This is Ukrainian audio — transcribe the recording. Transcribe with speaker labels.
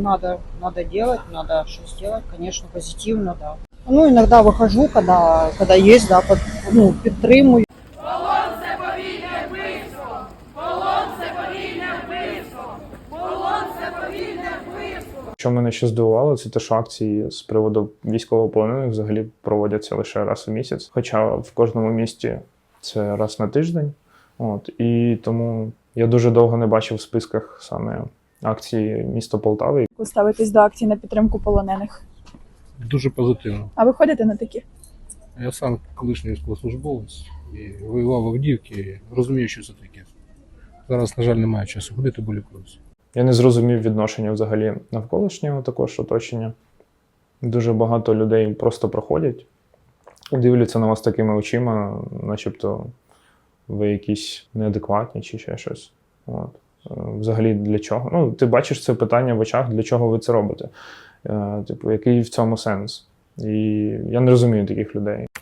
Speaker 1: надо делать, надо что сделать, конечно, позитивно, да. Ну, иногда выхожу, когда есть, да, підтримую.
Speaker 2: Полон це повільне вбивство! Полон це повільне вбивство! Полон це повільне вбивство!
Speaker 3: Що мене ще здивувало, це те, що акції з приводу військовополонених взагалі проводяться лише раз у місяць. Хоча в кожному місті це раз на тиждень. І тому я дуже довго не бачив в списках саме акції міста Полтави.
Speaker 4: Як ви ставитесь до акцій на підтримку полонених?
Speaker 5: Дуже позитивно.
Speaker 4: А ви ходите на такі?
Speaker 5: Я сам колишній військовослужбовець і воював в Авдіївці, і розумію, що це таке. Зараз, на жаль, немає часу ходити, бо лікуюся.
Speaker 3: Я не зрозумів відношення взагалі навколишнього також оточення. Дуже багато людей просто проходять, дивляться на вас такими очима, начебто ви якісь неадекватні чи ще щось. Взагалі для чого? Ну, ти бачиш це питання в очах, для чого ви це робите. Який в цьому сенс? І я не розумію таких людей.